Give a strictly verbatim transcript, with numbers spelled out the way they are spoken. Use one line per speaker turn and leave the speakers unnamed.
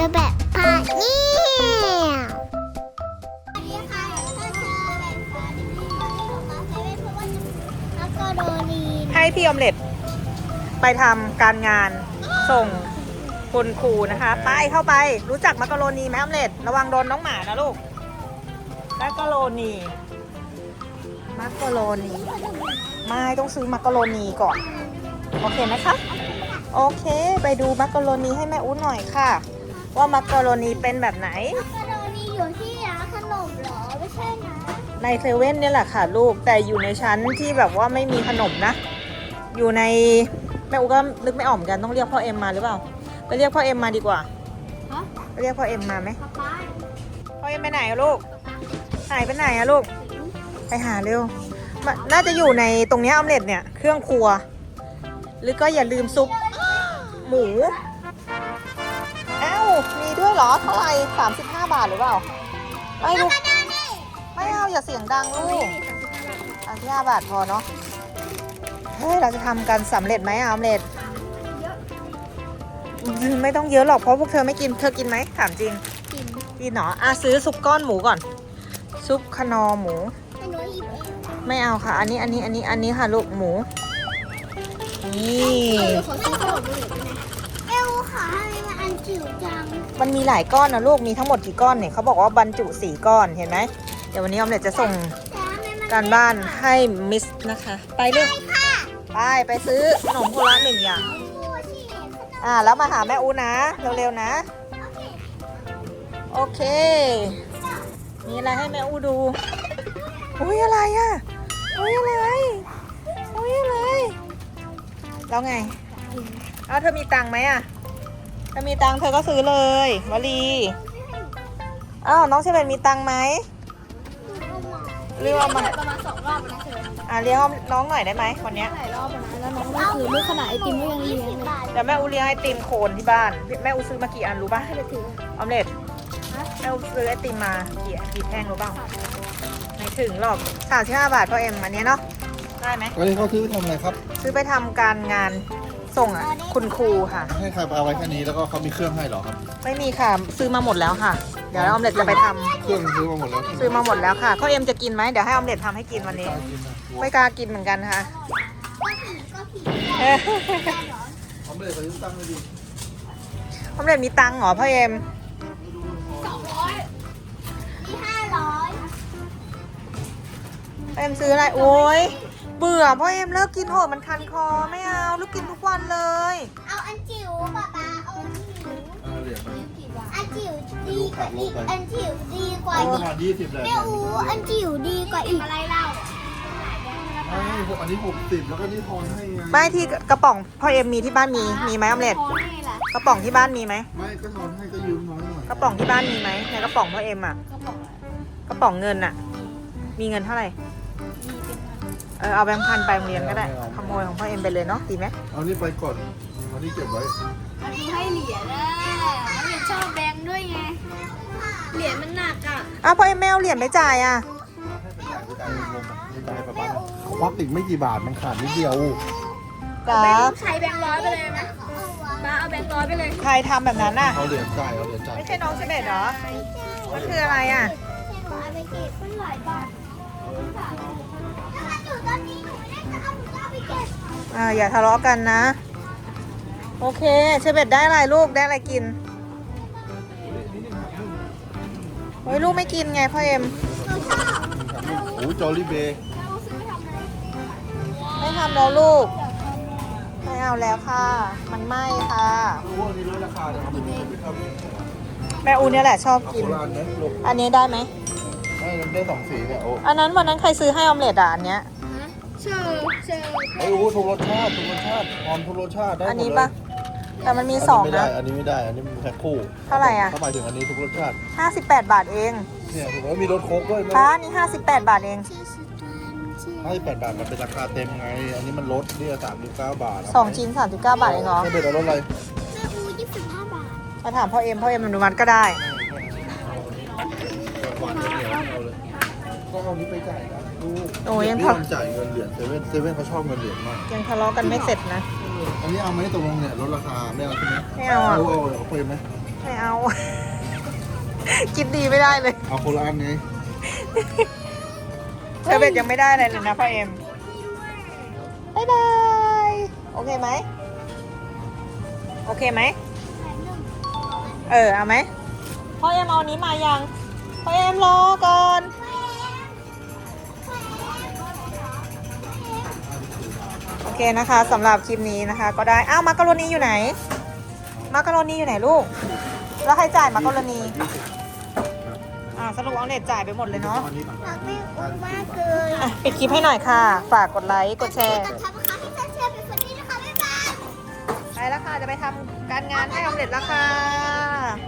อแบบพาเนี่ยสวัสดีค่ะก็เจอแบบพาเนี่ยของมาเซเว่นเพราะว่ามักกะโรนี
ให้พี่ออมเล็ตไปทำการงานส่งคุณครูนะคะไปเข้าไปรู้จักมักกะโรนีไหมออมเล็ตระวังโดนน้องหมานะลูกมักกะโรนีมักกะโรนีไม่ต้องซื้อมักกะโรนีก่อนโอเคไหมคะโอเคไปดูมักกะโรนีให้แม่อุ้นหน่อยค่ะว่ามักกะโรนีเป็นแบบไหน
มักกะโรนีอยู่ที่ร้านขนมเหรอไม่ใช่นะ
ในเซเว่นเนี่ยแหละค่ะลูกแต่อยู่ในชั้นที่แบบว่าไม่มีขนมนะอยู่ในแม่อูก็นึกไม่ออกเหมือนกันต้องเรียกพ่อเอ็มมาหรือเปล่าไปเรียกพ่อเอ็มมาดีกว่า
ฮะ
ไปเรียกพ่อเอ็มมาไหม
ป๊าป๊า
พ่อเอ็มไปไหนอะลูกหายไปไหนอะลูกไปหาเร็วมันน่าจะอยู่ในตรงเนี้ยออมเล็ตเนี่ยเครื่องครัวหรือก็อย่าลืมซุปหมูอ้าวมีด้วยเหรอเท่าไหร่สามสิบห้าบาทหรือเปล่าไม่ลูกไม่เอาอย่าเสียงดังลูกสามสิบห้าบาทพอเนาะเฮ้ยเราจะทำกันสำเร็จไหมอะออมเล็ตไม่ต้องเยอะหรอกเพราะพวกเธอไม่กินเธอกินไหมถามจริง
กิน
กินเหรออ่ะซื้อซุปก้อนหมูก่อนซุปคนอหมู
ให้หนูหยิบเอง
ไม่เอาค่ะ อันนี้อันนี้อันนี้อันนี้ค่ะลูกหมูนี่
ขอซื้อขนมเลยเอวค่ะทำไมมันอันจิ๋วจัง
มันมีหลายก้อนนะลูกมีทั้งหมดกี่ก้อนเนี่ยเขาบอกว่าบรรจุสี่ก้อนเห็นไหมเดี๋ยววันนี้ออมเล็ตจะส่ง
แต่ทำไมมัน
การบ้านให้มิสนะคะ ไปเลยไปไปซื้อขนมโคละหนึ่งอย่าง
พูดสิขนม
อ่าแล้วมาหาแม่อูนะเร็วๆนะ
โอเค
โอเค มีอะไรให้แม่อูดูอุ้ยอะไรอ่ะอุ้ยอะไรอุ้ยอะไรแล้วไงเอาเธอมีตังค์ไหมอ่ะถ้ามีตังค์เธอก็ซื้อเลยวลีอ้าวน้องเชเบนมีตังค์ไหมเรียกว่ามา
ประมาณสองรอบนะเธอ
อ่ะเลี้ยงน้องหน่อยได้ไหมวันเนี้ย
หลายรอบนะแล้วน้องก็คือไม่ขนาดไอติมก็ยังเลี้ยงเลย
เดี๋ยวแม่อูเลี้ยงไอติมโคนที่บ้านแม่อูซื้อมากี่อันรู้ป่ะ
ให้ไปถือ
ออมเล็ตแม่อูซื้อไอติมมากี่กี่แท่งรู้ป่ะไม่ถึงหรอกสามสิบห้าบาทพ่อเอ็มอันเนี้ยเนาะได้ไหม
วันนี้เขาซื้อทำอะไรครับ
ซื้อไปทำการงานส่งอ่ะคุณครูค่ะ
ให้ใครเอาไว้แค่นี้แล้วก็เขามีเครื่องให้เหรอครับ
ไม่มีค่ะซื้อมาหมดแล้วค่ะ เดี๋ยวออมเล็ตจะไปทำ
เครื่องซื้อมาหมดแล้วใช่ไหม
ซื้อมาหมดแล้วค่ะพ่อเอ็มจะกินไหมเดี๋ยวให้ออมเล็ตทำให้กินวันนี้ ไม่กล้ากินเหมือนกันค่ะ เอ้ย
เขาไม่ได้ซื้อตั้งเลยดิ
ออมเล็ตมีตังค์เหรอพ่อเอ็ม
สองร้อยมีห้าร้อย
พ่อเอ็มซื้ออะไรโอ้ยเบื่อพ่อเอ็มเลิกกินเถอะมันคันคอไม่เอาลูกกินทุกวันเลย
เอาอันจิ๋วป๊าป๊าเอาอันจิ๋ว
เอาเหรียญมา
อันจิ๋วดีกว่าอีกอันจิ๋วดีกว่า
เอาป
อี
ระ
ก
มาณยี่สิบเลย
แม่อูอันจิ๋วดีกว่าอีกอะไรเล่า
ไม่ผมอันนี้หกสิบแล้วก็นี่ทอนให้ไง
ไม่ที่กระป๋องพ่อเอ็มมีที่บ้านมีมีไหมออมเล็ต
พอให้ล่ะ
กระป๋องที่บ้านมีไหม
ไม่ก็ทอนให้ก็ยืมน้อยหน่อย
กระป๋องที่บ้านมีไหมในกระป๋องพ่อเอ็มอ่ะ
ก็บอก
กระป๋องเงินอ่ะ มีเงินเท่าไหร่เออเอาแบงค์พันไปโรงเรียนก็ได้ขโมยของพ่อเอ็มไปเลยเนาะดีไหม
เอานี่ไปก่อนเอานี่เก็บไว้
มันมีให้เหรียญนะมันเป็นชอบแบงค์ด้วยไงเหรียญมันหนักอ่ะ
อ้าวพ่อเอ็มไม่เอาเหรียญไปจ่ายอ่ะ
ให้ไปจ่ายไปจ่ายรวมไปจ่ายไปบ้านเขาควักอีกไม่กี่บาทมันขาดนิดเดียว
จ้า
ใช้แบงค์ร้อยไปเลยไหมมาเอาแบงค์ร้อยไปเลย
ใครทำแบบนั้นน่ะ
เอาเหรียญจ่ายเอาเหรียญจ่าย
ไม่ใช่น้องเฉเบตเหรอมันคืออะไรอ่ะ
เอาไปเก็บมันหลายบาทถ้ามันอยู่ตอนนี้หนูไม่ได้จะเอาหนูจะเอาไปเก็บ
อ่าอย่าทะเลาะกันนะ โอเคเชเบตได้อะไรลูกได้อะไรกินโอ้ยลูกไม่กินไงพ่อเอ็ม
โอ้ยจอรี่เบย์
ไม่ทำแล้วลูกไม่เอาแล้วค่ะ มันไหม้ค่ะ
พวกนี้ลดราคาเลยครับไปทำ
แม่อูเนี่ยแหละชอบ
เอา
กิน
โบราณนะลูก
อันนี้ได้ไหม
ได้ได้สองสีเนี่ยโอ้
อันนั้นวันนั้นใครซื้อให้ออมเล็ตอ่ะอันเนี้ย
เชิญเชิญ
ไอ้โอ้ทุกรสชาติทุกรสชาติหอมทุกรสชาติได้หมดเลย
อันนี้ปะแต่มันมีสอง
ไม่ได้
นะ
อันนี้ไม่ได้ อันนี้มันแพ็คคู่
เท่าไหร่อะ
เขาหมายถึงอันนี้ทุกรสชาติ
ห้าสิบแปดบาทเอง
เนี่ยถูกแล้วมีรสโค้กด้วย
ป้านี่ห้าสิบแปดบาทเอง
ให้แปดบาทมันเป็นราคาเต็มไง อันนี้มันลดเนี่ยสามสิบเก้าบาท
สองชิ้นสามสิบเก้าบาทเองเหรอ
ไม่เป็นไรรสอะไร
แม่อูยี่สิบห้าบาท
มาถามพ่อเอ็มพ่อเอ็มอนุมัติก็ได้
หวานเหนียวเอาเลยก็เอานี้ไปจ่ายนะลูก
โอ้ยยัง
พี่
ทะ
ยอมจ่ายเงินเหรียญเซเว่นเซเว่นเขาชอบเงินเหรียญมาก
ยังทะเลาะกันไม่เสร็จนะ
อันนี้เอาไหมตกลงเนี่ยลดราคาไม่เอาใช่ไหม
ไม่เอาอ่ะ
เอาเอาเอาไปไหม
ไม่เอา กินดีไม่ได้เลย
เอาคนละอันไง
เชอร์เบตยังไม่ได้อะไรเลยนะพ่อเอ็มบายบายโอเคไหมโอเคไหมเออเอาไหมพ่อเอ็มเอาอันนี้มายังพ่อเอ็มรอก่อนโอเคนะคะสำหรับคลิปนี้นะคะ ก็ได้อ้าวมักกะโรนีอยู่ไหนมักกะโรนีอยู่ไหนลูกแล้วใครจ่ายมักกะโรนีอ่าสรุปเอาเน็ตจ่ายไปหมดเลยเนาะ
รักไม่อุ้มมากเลย
อ่ะปิดคลิปให้หน่อยค่ะ ฝากกดไลค์ กดแชร์
กดทับนะคะให้แชร์เป็นคนนี้นะคะบ๊ายบาย
ไปแล้วค่ะ จะไปทำการงานให้ออมเล็ตแล้วค่ะ